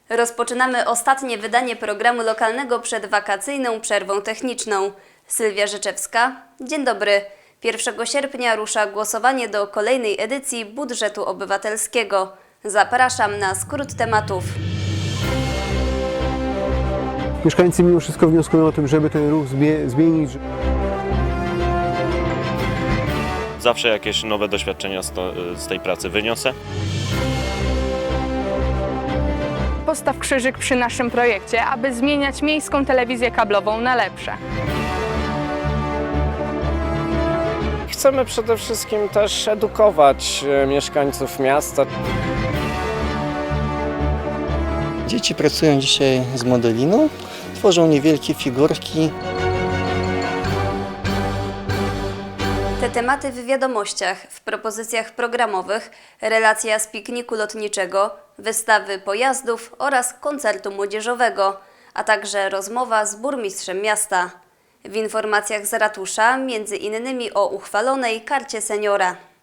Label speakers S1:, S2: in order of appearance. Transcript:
S1: Rozpoczynamy ostatnie wydanie programu lokalnego przed wakacyjną przerwą techniczną. Sylwia Rzeczewska, dzień dobry. 1 sierpnia rusza głosowanie do kolejnej edycji budżetu obywatelskiego. Zapraszam na skrót tematów.
S2: Mieszkańcy mimo wszystko wnioskują o tym, żeby ten ruch zmienić.
S3: Zawsze jakieś nowe doświadczenia z tej pracy wyniosę.
S4: Postaw krzyżyk przy naszym projekcie, aby zmieniać miejską telewizję kablową na lepsze.
S5: Chcemy przede wszystkim też edukować mieszkańców miasta.
S6: Dzieci pracują dzisiaj z modeliną, tworzą niewielkie figurki.
S1: Te tematy w wiadomościach, w propozycjach programowych, relacja z pikniku lotniczego, wystawy pojazdów oraz koncertu młodzieżowego, a także rozmowa z burmistrzem miasta. W informacjach z ratusza między innymi o uchwalonej karcie seniora.